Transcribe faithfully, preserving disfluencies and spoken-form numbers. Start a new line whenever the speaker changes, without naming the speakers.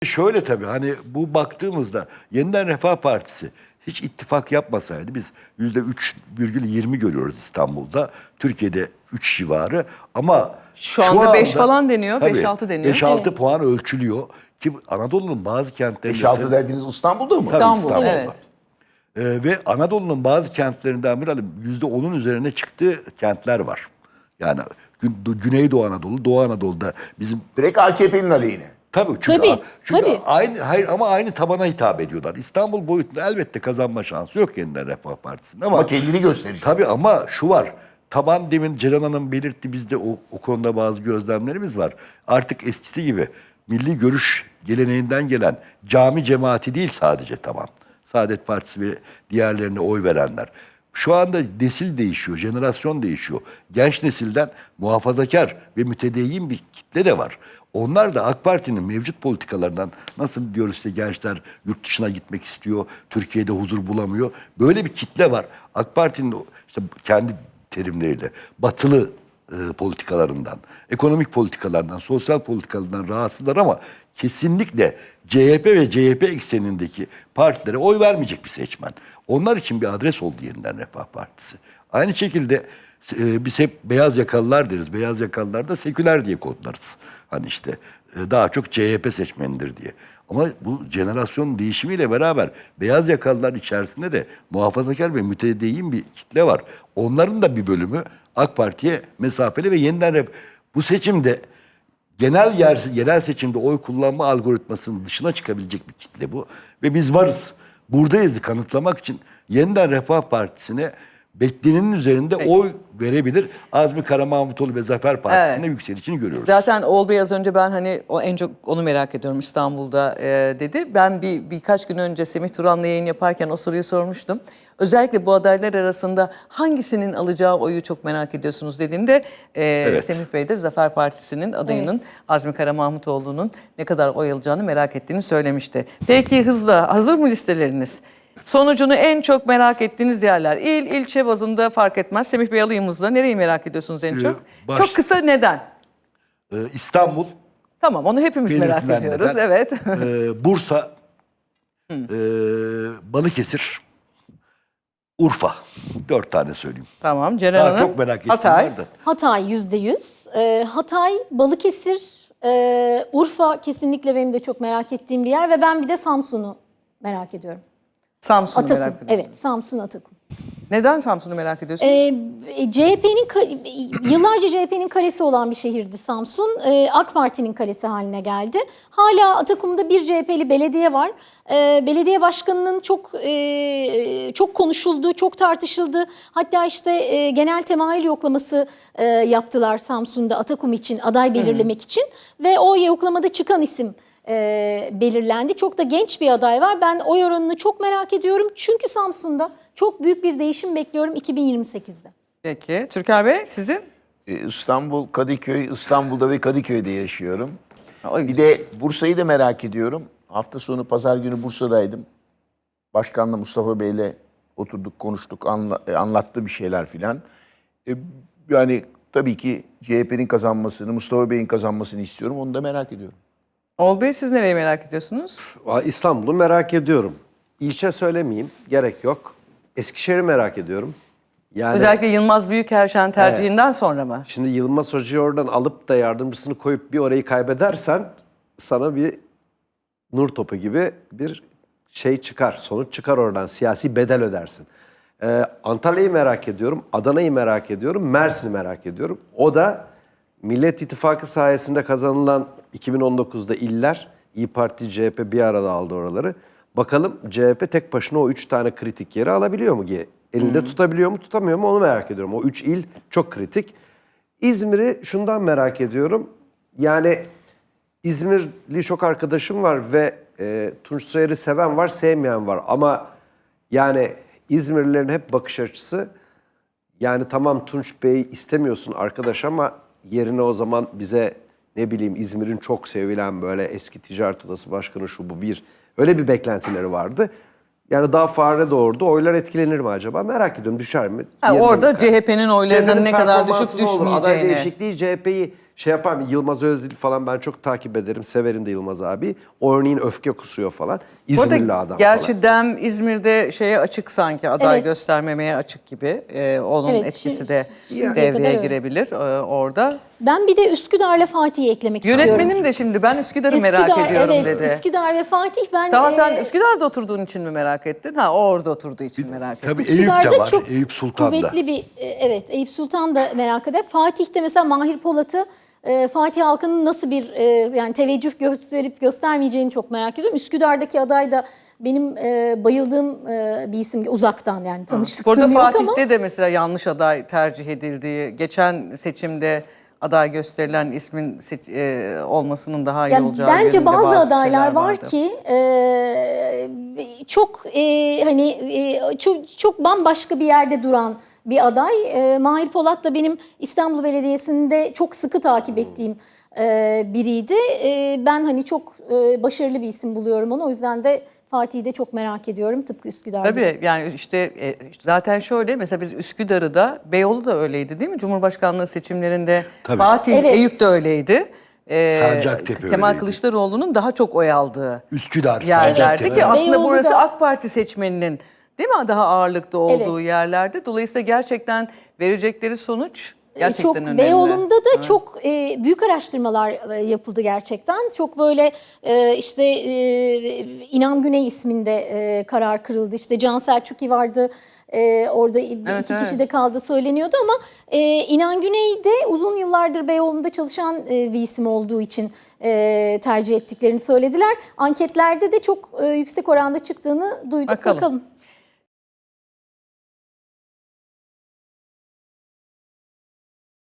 Şöyle tabii hani bu baktığımızda Yeniden Refah Partisi hiç ittifak yapmasaydı biz yüzde üç virgül yirmi görüyoruz İstanbul'da. Türkiye'de üç civarı ama
Şu anda beş falan deniyor,
tabii,
beş altı deniyor.
beş altı
Evet.
puan ölçülüyor ki Anadolu'nun bazı kentlerinde...
beş altı dediğiniz İstanbul'da mı?
Tabii
İstanbul,
İstanbul'da.
evet.
Ee, ve Anadolu'nun bazı kentlerinden bir yüzde onun üzerine çıktığı kentler var. Yani Gü- Güneydoğu Anadolu, Doğu Anadolu'da bizim...
Direkt A K P'nin aleyhine.
Tabii çünkü,
Tabii,
çünkü
tabii.
aynı hayır ama aynı tabana hitap ediyorlar. İstanbul boyutunda elbette kazanma şansı yok Yeniden Refah Partisi'nin ama,
Ama kendini gösterecek.
tabii ama şu var. Taban demin Ceren Hanım belirtti, bizde o, o konuda bazı gözlemlerimiz var. Artık eskisi gibi milli görüş geleneğinden gelen cami cemaati değil sadece taban. Saadet Partisi ve diğerlerine oy verenler. Şu anda nesil değişiyor, jenerasyon değişiyor. Genç nesilden muhafazakar ve mütedeyyin bir kitle de var. Onlar da AK Parti'nin mevcut politikalarından, nasıl diyoruz işte gençler yurt dışına gitmek istiyor, Türkiye'de huzur bulamıyor. Böyle bir kitle var. AK Parti'nin işte kendi terimleriyle batılı e, politikalarından, ekonomik politikalarından, sosyal politikalarından rahatsızlar ama kesinlikle C H P ve C H P eksenindeki partilere oy vermeyecek bir seçmen. Onlar için bir adres oldu Yeniden Refah Partisi. Aynı şekilde e, biz hep beyaz yakalılar deriz. Beyaz yakalılar da seküler diye kodlarız. Hani işte e, daha çok C H P seçmenidir diye. Ama bu jenerasyon değişimiyle beraber beyaz yakalılar içerisinde de muhafazakar ve mütedeyyin bir kitle var. Onların da bir bölümü AK Parti'ye mesafeli ve yeniden ref- bu seçimde genel yer, yerel seçimde oy kullanma algoritmasının dışına çıkabilecek bir kitle bu. Ve biz varız. Buradayızı kanıtlamak için Yeniden Refah Partisi'ne beklenenin üzerinde
Peki.
oy verebilir. Azmi Karamahmutoğlu ve Zafer Partisi'ne
Evet.
yükselişini görüyoruz.
Zaten Oğul Bey az önce ben hani o en çok onu merak ediyorum İstanbul'da e, dedi. Ben bir birkaç gün önce Semih Turan'la yayın yaparken o soruyu sormuştum. Özellikle bu adaylar arasında hangisinin alacağı oyu çok merak ediyorsunuz dediğimde e,
Evet.
Semih Bey de Zafer Partisi'nin adayının
Evet.
Azmi Karamahmutoğlu'nun ne kadar oy alacağını merak ettiğini söylemişti. Peki hızla hazır mı listeleriniz? Sonucunu en çok merak ettiğiniz yerler. İl, ilçe bazında fark etmez. Semih Bey alayım hızla. Nereyi merak ediyorsunuz en
Ee,
çok?
baş-
Çok kısa neden?
Ee, İstanbul,
Tamam onu hepimiz merak
belirtilen
ediyoruz.
neden.
Evet.
Ee, Bursa, e, Balıkesir, Urfa. Dört tane söyleyeyim.
Tamam Ceren
Daha
Hanım.
çok merak ettim.
Hatay.
var da.
Hatay yüzde yüz. Ee, Hatay, Balıkesir, e, Urfa kesinlikle benim de çok merak ettiğim bir yer ve ben bir de Samsun'u merak ediyorum.
Samsun'u
Atakum.
merak ediyorum.
Evet, Samsun Atakum.
Neden Samsun'u merak ediyorsunuz?
Ee, C H P'nin yıllarca C H P'nin kalesi olan bir şehirdi Samsun. Ee, AK Parti'nin kalesi haline geldi. Hala Atakum'da bir C H P'li belediye var. Ee, belediye başkanının çok e, çok konuşulduğu, çok tartışıldı. Hatta işte e, genel temayül yoklaması e, yaptılar Samsun'da Atakum için, aday belirlemek hmm. için ve o yoklamada çıkan isim e, belirlendi. Çok da genç bir aday var. Ben oy oranını çok merak ediyorum. Çünkü Samsun'da çok büyük bir değişim bekliyorum iki bin yirmi sekizde.
Peki. Türker Bey sizin?
Ee, İstanbul, Kadıköy, İstanbul'da ve Kadıköy'de yaşıyorum.
O
Bir de Bursa'yı da merak ediyorum. Hafta sonu pazar günü Bursa'daydım. Başkanla Mustafa Bey'le oturduk, konuştuk, anla, anlattı bir şeyler filan. Ee, yani tabii ki C H P'nin kazanmasını, Mustafa Bey'in kazanmasını istiyorum. Onu da merak ediyorum.
Oğul Bey siz nereyi merak ediyorsunuz?
İstanbul'u merak ediyorum. İlçe söylemeyeyim, gerek yok. Eskişehir'i merak ediyorum. Yani
Özellikle Yılmaz Büyükerşen tercihinden sonra mı?
şimdi Yılmaz Hoca'yı oradan alıp da yardımcısını koyup bir orayı kaybedersen sana bir nur topu gibi bir şey çıkar, sonuç çıkar oradan. Siyasi bedel ödersin. Ee, Antalya'yı merak ediyorum, Adana'yı merak ediyorum, Mersin'i merak ediyorum. O da Millet İttifakı sayesinde kazanılan iki bin on dokuzda iller, İYİ Parti, C H P bir arada aldı oraları. Bakalım C H P tek başına o üç tane kritik yeri alabiliyor mu? Elinde hmm. tutabiliyor mu, tutamıyor mu onu merak ediyorum. O üç il çok kritik. İzmir'i şundan merak ediyorum. Yani İzmirli çok arkadaşım var ve e, Tunç Soyer'i seven var, sevmeyen var. Ama yani İzmirlilerin hep bakış açısı, yani tamam Tunç Bey istemiyorsun arkadaş ama yerine o zaman bize ne bileyim İzmir'in çok sevilen böyle eski ticaret odası başkanı şu bu bir öyle bir beklentileri vardı. Yani daha fare doğurdu. Oylar etkilenir mi acaba? Merak ediyorum. Düşer mi?
Ha, orada C H P'nin oylarının
C H P'nin
ne kadar düşüp
performansı ne olur? Aday
düşmeyeceğini.
değişikliği C H P'yi şey yapar mı? Yılmaz Özdil falan ben çok takip ederim. Severim de Yılmaz abi. O örneğin öfke kusuyor falan.
Bu arada
İzmirli adam
gerçi
falan.
Dem İzmir'de şeye açık sanki, aday
Evet.
göstermemeye açık gibi. Ee, onun
Evet,
etkisi
şimdi-
de
şimdiye
devreye
kadar öyle.
girebilir e, orada.
Ben bir de Üsküdar'la Fatih'i eklemek istiyorum.
Yönetmenim de şimdi ben Üsküdar'ı merak
Üsküdar,
ediyorum
evet,
dedi.
Üsküdar ve Fatih ben...
Daha sen
e,
Üsküdar'da oturduğun için mi merak ettin? Ha, o orada oturduğu için merak ettin.
Tabii Eyüp de
Üsküdar'da
var.
çok
Eyüp Sultan'da.
kuvvetli bir, e, evet Eyüp Sultan da merak eder. Fatih'te mesela Mahir Polat'ı e, Fatih halkının nasıl bir e, yani teveccüh gösterip göstermeyeceğini çok merak ediyorum. Üsküdar'daki aday da benim e, bayıldığım e, bir isim, uzaktan yani tanıştıklığım
Burada
yok
Fatih'te
ama.
de mesela yanlış aday tercih edildiği, geçen seçimde aday gösterilen ismin seç- e, olmasının daha iyi
Yani
olacağı
bence
yönünde
bazı,
bazı
adaylar
şeyler
var
vardı.
ki e, çok e, hani e, çok çok bambaşka bir yerde duran bir aday. E, Mahir Polat da benim İstanbul Belediyesi'nde çok sıkı takip ettiğim e, biriydi. E, ben hani çok e, başarılı bir isim buluyorum onu. O yüzden de Fatih'i de çok merak ediyorum tıpkı Üsküdar gibi.
Tabii yani işte, e, işte zaten şöyle mesela biz Üsküdar'ı da, Beyoğlu da öyleydi değil mi? Cumhurbaşkanlığı seçimlerinde
Tabii.
Fatih,
Evet.
Eyüp de öyleydi. Ee,
Sancaktepe
Kemal
öyleydi.
Kılıçdaroğlu'nun daha çok oy aldığı
Üsküdar,
yerlerdi
Sancaktepe.
ki aslında
Beyoğlu
burası
da-
AK Parti seçmeninin değil mi daha ağırlıkta olduğu
Evet.
yerlerde. Dolayısıyla gerçekten verecekleri sonuç gerçekten
çok
önemli.
Beyoğlu'nda da çok e, büyük araştırmalar e, yapıldı gerçekten. Çok böyle e, işte e, İnan Güney isminde e, karar kırıldı. İşte Can Selçuk'i vardı. E, orada
Evet,
iki
evet.
kişi de kaldı söyleniyordu ama e, İnan Güney de uzun yıllardır Beyoğlu'nda çalışan e, bir isim olduğu için e, tercih ettiklerini söylediler. Anketlerde de çok e, yüksek oranda çıktığını duyduk.
Bakalım.
Bakalım.